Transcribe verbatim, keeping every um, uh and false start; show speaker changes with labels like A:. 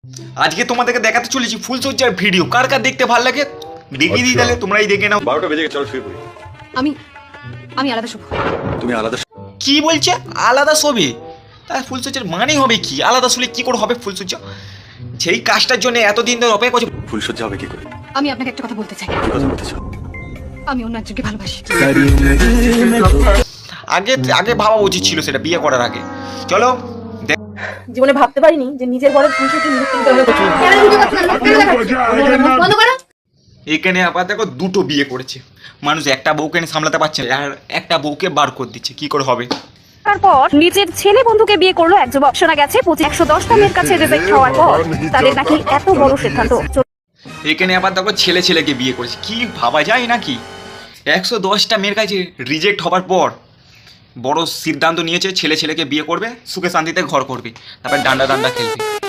A: আজকে তোমাদেরকে দেখাতে চলেছি ফুলসজ্জার ভিডিও। কার কার দেখতে ভালো লাগে দেখিয়ে দিই, তাহলে তোমরাই দেখে নাও।
B: বারোটা বেজে গেছে, চলো শুয়ে পড়ি।
C: আমি আমি আলাদা শোবো।
B: তুমি আলাদা
A: কি বলছে আলাদা শোবে? তাহলে ফুলসজ্জার মানে হবে কি? আলাদা শুলে কি করে হবে ফুলসজ্জা? সেই কাজটার জন্য এতদিন ধরে অপেক্ষা করছে।
B: ফুলসজ্জা হবে কি করে?
C: আমি আপনাকে একটা কথা বলতে চাই।
B: কি কথা বলতে চাও?
C: আমি অন্য একজনকে ভালোবাসি।
A: আগে আগে ভাবা উচিত ছিল সেটা বিয়ে করার আগে। চলো
D: জীবনে ভাবতে পারিনি যে নিজের বরের ফুলসজ্জা নিজে কিনতে হবে। বন্ধ করো।
A: এখানে আবার দেখো দুটো বিয়ে করেছে মানুষ, একটা বউকে নিয়ে সামলাতে পারছে না, আর একটা বউকে বার করে দিচ্ছে। কি করে হবে?
E: তারপর নিজের ছেলে বন্ধুকে বিয়ে করলো এক যুবক। শোনা গেছে পঁচিশ একশো দশটা মেয়ের কাছে রিজেক্ট হওয়ার পর তাদের নাকি এত বড় সিদ্ধান্ত।
A: এখানে আবার দেখো ছেলে ছেলেকে বিয়ে করেছে। কি ভাবা যায় নাকি? একশো দশটা মেয়ের কাছে রিজেক্ট হবার পর বড় সিদ্ধান্ত নিয়েছে, ছেলে ছেলেকে বিয়ে করবে, সুখে শান্তিতে ঘর করবে, তারপর ডান্ডা ডান্ডা খেলবে।